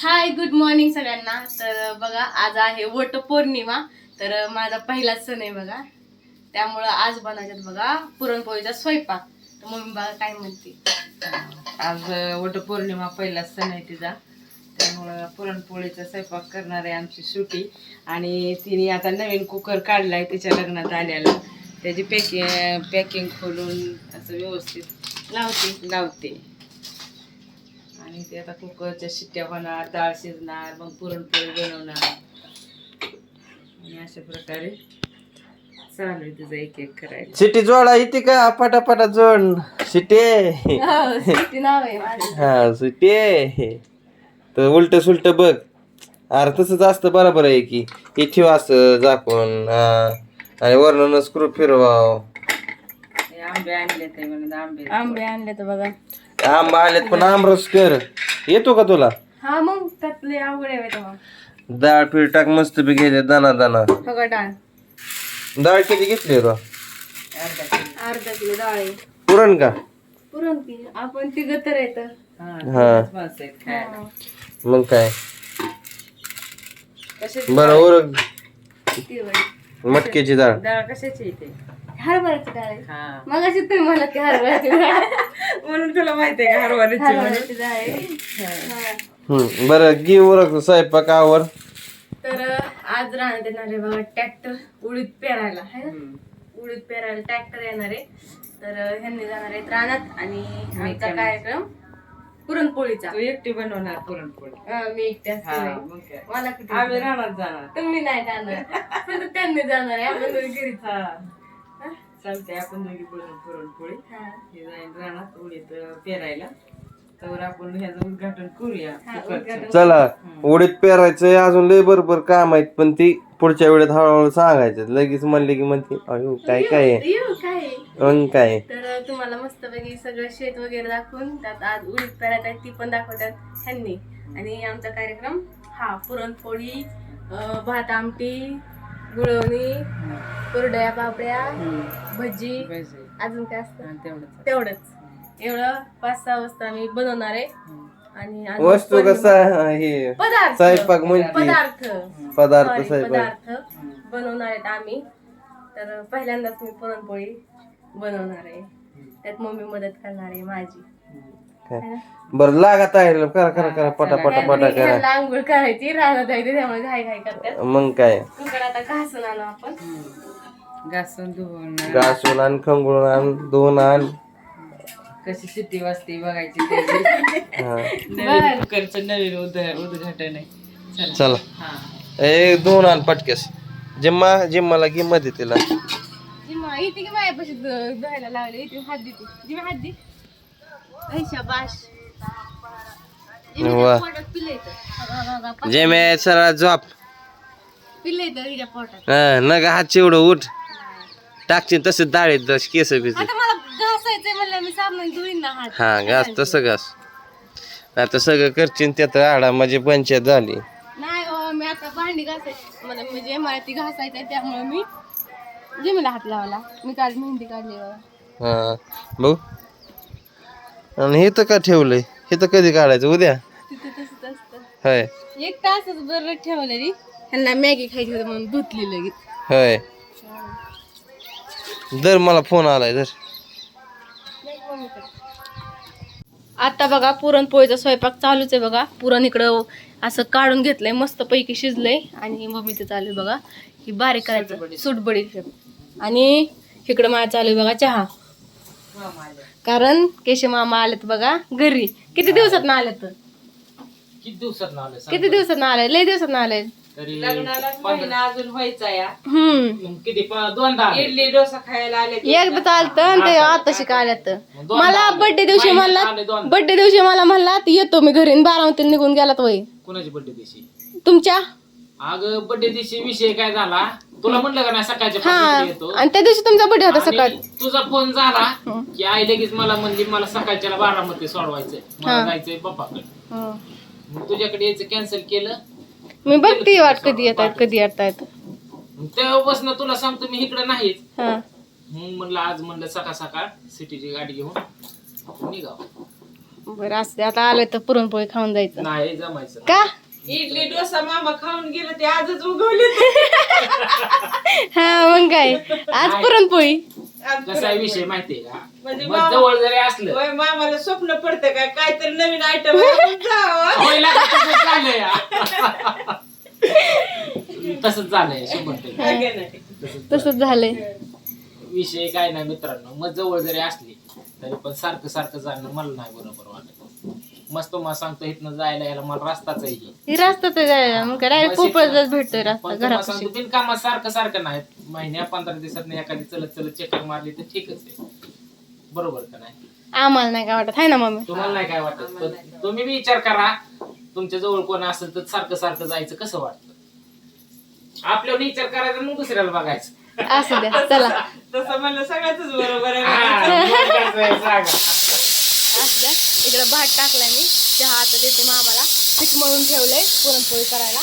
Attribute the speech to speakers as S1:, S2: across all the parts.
S1: Hi good morning सगळ्यांना. तर बघा आज आहे वटपौर्णिमा. तर माझा पहिला सण आहे बघा, त्यामुळं आज बनवायच्यात बघा पुरणपोळीचा स्वयंपाक. तर मम्मी बघा काय म्हणते.
S2: आज वटपौर्णिमा पहिला सण आहे तिचा, त्यामुळं पुरणपोळीचा स्वयंपाक करणार आहे आमची सुटी. आणि तिने आता नवीन कुकर काढलाय तिच्या लग्नात आल्याला, त्याची पॅकिंग खोलून असं व्यवस्थित लावते. आणि ते आता कुकरच्या शिट्ट्या होणार, डाळ शिजणार, मग पुरणपोळी बनवणार. आणि अशा प्रकारे चालू आहे तिचं एक एक करायचं.
S3: सिटी जोडा येते का? पटापटा जोड सिटी.
S1: हो, सुट्टी नाव आहे माझं.
S3: हा सिटी. तर उलट सुलट बघ. अरे तसंच असतं, बरोबर आहे की. हे ठेव असं झाकून, आणि वरण स्क्रू फिरवाव.
S2: हे आंबे आणले ते म्हणून
S1: आंबे आणले तर बघा.
S3: आंबा आलेत पण आमरस कर. येतो का तुला?
S1: हा मग त्यातले आवड आहे तेव्हा.
S3: डाळ पीठ टाक मस्त बी गेले दाना दाना.
S1: बघा डाळ
S3: डाळ किती घेतली रो?
S1: अर्धा किलो डाळ आहे.
S3: पुरण का?
S1: पुरण की आपण तिघ तर येतं.
S3: हा मग काय
S2: कशाची
S3: बरं ओरग
S1: तिळ
S3: मटक्याची डाळ.
S2: डाळ कशाची इथे?
S1: हरभऱ्याची डाळ आहे.
S2: हा
S1: मग अशी तुम्ही मला की हरभऱ्याची डाळ.
S2: म्हणून तुला माहिती आहे का हरभऱ्याची म्हणून?
S1: हरभऱ्याची डाळ आहे. हा.
S3: बरं घे ओरग स्वयंपाक आवर.
S1: तर आज राहण्यात येणार आहे बघा ट्रॅक्टर उडीद पेरायला है ना. उडीद पेरायला ट्रॅक्टर येणार आहे. तर ह्यांनी जाणार आहेत रानात आणि आमचा कार्यक्रम पुरणपोळीचा.
S2: तू एकटी बनवणार पुरणपोळी?
S1: मी एकटी
S2: हा,
S1: असते.
S2: मग काय.
S1: मला किती
S2: आम्ही रानात जाणार.
S1: तुम्ही नाही जाणार, फक्त त्यांनी जाणार आहे. आपण दोघी घरीच.
S2: हा चालते, आपण दोघी बनवू पुरणपोळी.
S1: हा.
S2: हे जाईल रानात उडीद पेरायला, तर आपण ह्याचं उद्घाटन करूया.
S1: हा, उद्घाटन.
S3: चला उडीद पेरायचंय, अजून लय बरोबर काम आहेत, पण ती पुढच्या वेळेत हळूहळू सांगायचं. लगेच म्हणले की म्हणते अयो काय काय आहे,
S1: येऊ काय.
S3: मग काय.
S1: तर तुम्हाला मस्तपैकी सगळं शेत वगैरे दाखवून त्यात आज उडीद पेरायत आहे ती पण दाखवतात ह्यांनी. आणि आमचा कार्यक्रम हा पुरणपोळी, भात आमटी, गुळवणी, कुरड्या पापड्या, भजी, अजून काय असतं तेवढंच. एवढं 5-6 वाजता आम्ही बनवणार आहे. आणि अजून
S3: वस्तू कसा हे
S1: पदार्थ
S3: स्वयंपाक म्हणते. पदार्थ स्वयंपाक
S1: बनवणार आहेत आम्ही. तर पहिल्यांदाच मी पुरणपोळी बनवणार आहे, त्यात मम्मी मदत करणार आहे माझी.
S3: बरं लागत आहे. करा करा करा पटा पटा पटा करा.
S1: ह्यांना आंघोळ करायची राहणार आहे, त्यामुळे घाई घाई करतात.
S3: मग काय.
S1: कुकर आता घासून आणू आपण.
S2: घासून धुवून
S3: घासून आण, खंगळून आण, धुवून आण.
S2: कशी शिट्टी वाजते बघायची त्याची. नवीन कुकरचं नवीन उद्घाटन आहे. चला.
S3: चला
S2: हा
S3: ए दोन आण पटकेस. जिम्माला घे मध्ये तिला.
S1: जिम्मा इथे की माझ्यापाशी धुवायला लावले. इथे हात देते जिम्मा, हात दे. शाबाश.
S3: वा.
S1: पोटात पिल्लं येतं.
S3: जेमे सरळ झोप.
S1: पिल्लं येतं हिच्या पोटात.
S3: नग हात चिवडं उठ. टाकशील तसं डाळीत केस बिस.
S1: आता मला घासायचंय म्हणलं, मी साबण धुईन ना हात.
S3: हा घास तसं घास. आता सगळं करशील त्यात आडा म्हणजे पंचायत झाली.
S1: नाही हो, मी आता भांडी घासायची मला, म्हणजे मला ती घासायचंय त्यामुळे मी जिमीला हात लावला. मी काल मेहंदी काढली बघा.
S3: हा भाऊ. आणि हे तर का ठेवलंय? हे तर कधी काढायचं? उद्या.
S1: तिथे तसंच असतं.
S3: होय
S1: 1 तासच बरं ठेवलेली. ह्यांना मॅगी खायची होती म्हणून धुतली लगेच.
S3: होय. दर मला फोन आलाय दर.
S1: आता बघा पुरणपोळीचा स्वयंपाक चालूच आहे बघा. पुरण इकडं असं काढून घेतलंय, मस्त पैकी शिजलंय. आणि मम्मी ते चालू आहे बघा ही बारीक करायचं सुटबडी. आणि इकडं मला चालू आहे बघा चहा. कारण केशव मामा आलेत बघा घरी. किती दिवसात ना आलेत? किती दिवसात ना आले? लय दिवसात ना आले.
S2: लग्नाला महिना अजून व्हायचा या.
S1: हम्म.
S2: इडली डोसा खायला आले.
S1: एकदा चालतं आणि ते आता शिकायल्यात. मला बर्थडे दिवशी मला म्हणला येतो मी घरी. 12 निघून गेलात वय.
S4: कोणाची बर्थडे दिवशी?
S1: तुमच्या.
S4: अगं बर्थडे दिवशी विषय काय झाला तुला म्हणलं का नाही सकाळच्या
S1: हा,
S4: पासून येतो.
S1: आणि त्या दिवशी तुमचा बर्थडे होता
S4: आणि
S1: सकाळी.
S4: तुझा फोन झाला की आई लगेच मला म्हणली मला सकाळच्याला 12 मध्ये सोडवायचंय, मला जायचंय पप्पाकडे. मग तुझ्याकडे यायचं कॅन्सल केलं.
S1: मी बघते वाट कधी येत आहेत कधी येत.
S4: तेव्हापासून तुला सांगतो मी इकडे नाहीच.
S1: हा.
S4: मग म्हणलं आज म्हणलं सकाळ सकाळ सिटीची गाडी घेऊन आपण निघावं.
S1: बरं असते आता आलोय तर पुरणपोळी खाऊन जायचं
S4: नाही जमायचं
S1: का
S2: इडली डोसा मामा खाऊन गेलं ते आजच उगवले
S1: हा मग काय आज पुरणपोळी
S4: कसा विषय माहितीये का
S2: म्हणजे
S4: मग जवळ जरी असलं
S2: होय मामाला स्वप्न पडतं का काहीतरी नवीन आयटम जावं
S4: होय लागा, तसंच झालंय तसंच झालंय 100%.
S1: तसंच झालंय
S4: विषय काय नाही मित्रांनो, मग जवळ जरी असली तरी पण सारखं सारखं जाणं मला नाही बरोबर वाटत. मस्त तुम्हाला सांगतो इथनं जायला यायला मला रस्ताच आहे ही.
S1: ही रस्ताच आहे मग काय डायरेक्ट पोपळच भेटतोय रस्ता
S4: पण तुम्हाला
S1: घरापाशी
S4: सांगतो बिनकामात सारखं सारखं नाही, महिन्या 15 दिवसात एखादी चलत चलत चक्कर मारली तर ठीकच आहे, बरोबर का नाही?
S1: आम्हाला नाही काय वाटत आहे ना मम्मी
S4: तुम्हाला नाही काय वाटत, पण तुम्ही बी विचार करा तुमच्या जवळ कोण असेल तर सारखं सारखं जायचं कसं वाटतं. आपल्यावर विचार करायचा मग दुसऱ्याला बघायचं.
S1: असू द्या चला
S2: तसं म्हणलं सगळ्याच बरोबर आहे
S4: सांगा.
S1: असू द्या इकडे भात टाकलाय मी चहा आता देते मामाला पीठ मळून ठेवलंय पुरणपोळी करायला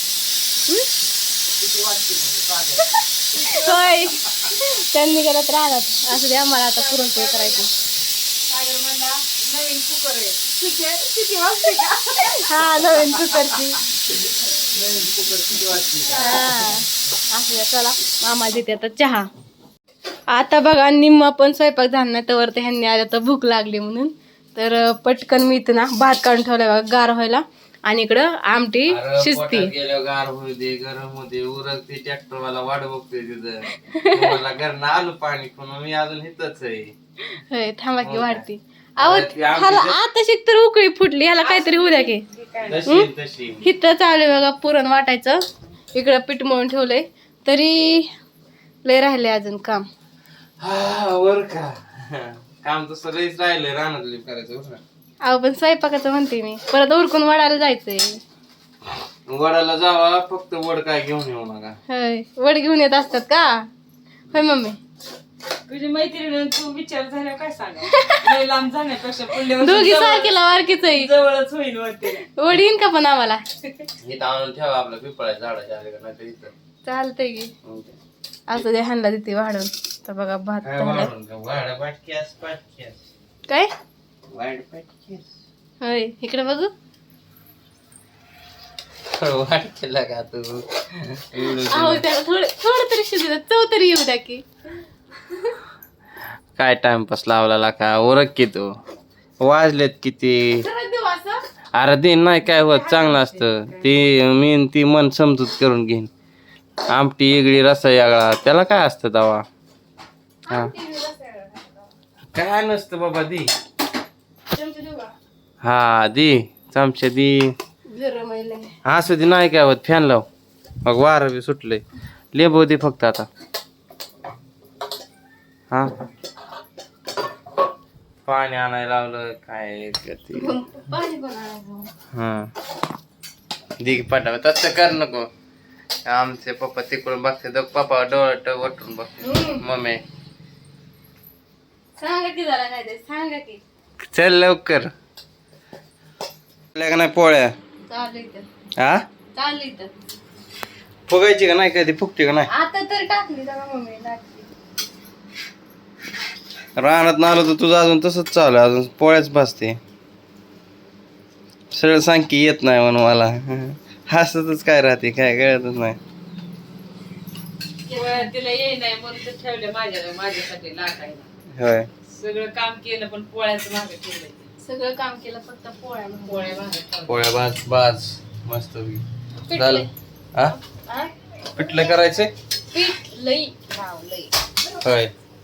S4: किती वाटते म्हणजे सागर?
S1: होय त्यांनी करत राहणार असू द्या मला आता पुरणपोळी करायची
S2: सागर म्हणला नवीन कुकर आहे किती वाजते का
S1: हा नवीन कुकरची
S4: नवीन कुकर किती वाटते?
S1: हा असू द्या चला मामा देते आता चहा आता बघा निम्मा पण स्वयंपाक झाला नाही तर ह्यांनी आल्या तर भूक लागली म्हणून तर पटकन मी इथं ना भात काढून ठेवलाय बघा गार व्हायला आणि इकडं आमटी शिजती
S3: गेल्यावर गार होऊ दे गरम होऊ दे उरक ते ट्रॅक्टर वाला वाट बघतोय तिथं मला घरनं आलो पाणी पण मी अजून इथंच आहे.
S1: होय थांबा की वाढती ह्याला आता शिक तर उकळी फुटली ह्याला काहीतरी होऊ द्या की
S3: तशी तशी
S1: हिथं चालू आहे बघा पुरण वाटायचं इकडं पीठ मळून ठेवलंय तरी लय राहिले अजून काम
S3: हा वर का काम तर सगळीच राहिलंय रानातली करायचं बरं का.
S1: अहो पण स्वयंपाकाचं म्हणते मी परत उरकून वाढायला जायचंय
S3: वडाला जावा फक्त वड काय घेऊन येऊ नका.
S1: होय वड घेऊन येत असतात का होय मम्मी
S2: तुझी मैत्रीण तू विचार झाल्यावर काय सांगा लय लांब जाण्यापेक्षा पुढल्या वर्षी
S1: दोघी सारखीला वारकीच आहे
S2: जवळच होईल वरती
S1: वड येईन का पण आम्हाला
S3: इथं आणून ठेवा आपलं पिपळाच्या झाडाच्या आले का नाही तर इथं
S1: चालतंय की
S3: मग काय.
S1: असं दे हाणला देते वाढून तर बघा भात
S3: काय
S1: झालाय.
S3: वाढून का? वाढ पाटक्यास पाटक्यास
S1: काय
S3: वाढ पाटक्यास
S1: होय इकडे बघू
S3: वाढ केला का तू
S1: अहो त्याला थोडं थोडं तरी शिजू द्या चव तरी येऊ द्या की
S3: काय टाइमपास लावला का ओरख की तू वाजलेत किती
S1: जरा देऊ असं
S3: अरे दिन नाही काय होत चांगलं असतं ती मन समजूत करून घेईन आमटी वेगळी रसा वेगळा त्याला काय असतं दवा हा काय नसतं बाबा दी
S1: चमचे देऊ का
S3: हा दी चमच्या दी
S1: जरा मैल
S3: असं दी नाही काय होत फॅन लाव मग वारं बी सुटलंय लिंबू दे फक्त आता हा पाणी आणायला लावलं काय करते
S1: पाणी पण आणायचं
S3: हा दिग पाठव तसं कर नको आमचे पप्पा तिकडून बघते तर पप्पा डोळट वटून बघते मम्मी
S1: सांगा की जरा काय ते सांगा की
S3: चल लवकर का नाही पोळ्या
S1: चालू इथं
S3: हा
S1: चालू इथं
S3: फुगायची का नाही कधी फुगते का नाही
S1: आता तर टाकली जरा मम्मी टाकली
S3: रानात ना आलो तर तुझं अजून तसंच चालू आहे अजून पोळ्याच भासते सरळ सांग की येत नाही म्हणून मला हसतच काय राहते काय कळतच नाही
S2: तिला येई नाही म्हणून तर ठेवलं माझ्यासाठी लाटायला
S3: होय
S2: सगळं काम केलं पण पोळ्याचं मागे ठेवलंय
S1: सगळं काम केलं फक्त पोळ्या म्हणून.
S2: पोळ्या मागे ठेवल्या.
S3: पोळ्या भाज भाज मस्त झालं हा
S1: हा?
S3: पिठलं करायचंय
S1: पीठ लई वाव लई
S3: होय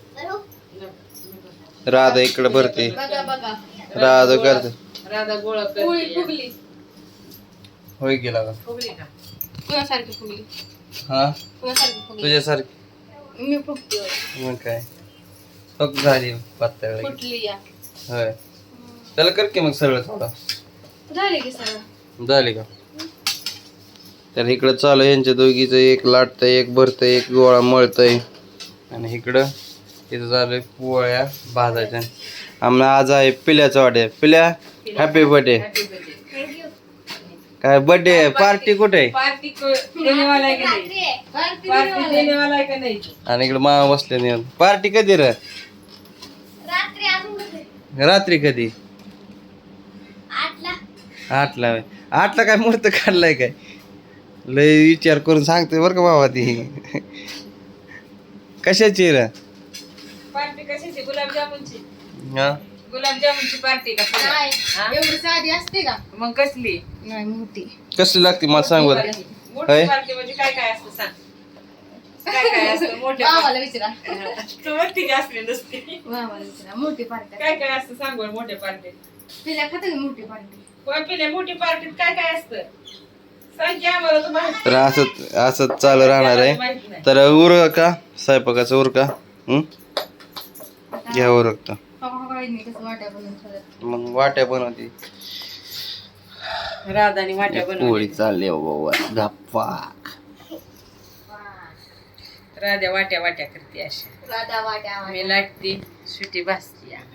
S3: राधा इकडे भरते
S1: बघा बघा
S3: राधा करते
S2: राधा गोळा
S1: पोळी
S2: करते
S1: फुगली
S3: होय गेला का
S2: फुगली का
S1: कुणासारखी फुगली
S3: हा
S1: कुणासारखी फुगली
S3: तुझ्यासारखी
S1: मी फुगते होय.
S3: मग काय फक्त झाली पातळ
S1: फुटली या
S3: होय त्याला कर की मग सरळ थोडा
S1: झाली की सगळं
S3: झाली का तर इकडं चालू आहे यांच्या दोघीचं एक लाटतंय एक भरतंय एक गोळा मळतंय आणि इकडं इथं चालू पोळ्या भाजायच्या आम्हाला आज आहे पिल्याचा वाटे पिल्या हॅपी बर्थडे काय बर्थडे पार्टी कुठे आहे
S2: पार्टी देनेवाला आहे का नाही पार्टी देनेवाला आहे का नाही
S3: आणि इकडे मामा बसले नाही पार्टी कधी र रात्री कधी आठला होय. आठला काय मुहूर्त काढलाय काय लय विचार करून सांगते बरं का बाबा ती कशाची रे
S2: पार्टी कशाची गुलाबजामुनची
S3: हा
S2: गुलाबजामुनची पार्टी का पुऱ्या? हा?
S1: एवढी साधी असते का
S2: मग कसली
S1: नाही मोठी
S3: कसली लागते मला सांग बरं
S2: मोठी
S3: होय?
S2: पार्टी म्हणजे काय काय असतं सांग काय काय असतं मोठ्या
S1: मामाला विचारा
S2: तू म्हणते की असली नसते
S1: मामाला विचारा मोठी पार्टी
S2: काय काय असतं सांग बरं मोठ्या पार्टीत
S1: तिला खाते का मोठी पार्टी
S2: कोण पिल्या मोठी पार्टीत काय काय असतं सांग की आम्हाला तर माहित
S3: तर असंच असंच चालू राहणार आहे
S2: माहित नाही.
S3: तर उरका का स्वयंपाकाचं उरका घ्या उरकतं
S1: कसं वाट्या बनवून ठेवतात.
S3: मग वाट्या बनवते
S2: राधानी वाट्या
S3: पोळी
S2: बनवली
S3: चालली बाबा धप्पाक
S2: राधा वाट्या वाट्या करते अशा
S1: राधा वाट्या
S2: मी लाटते सुटी भाजती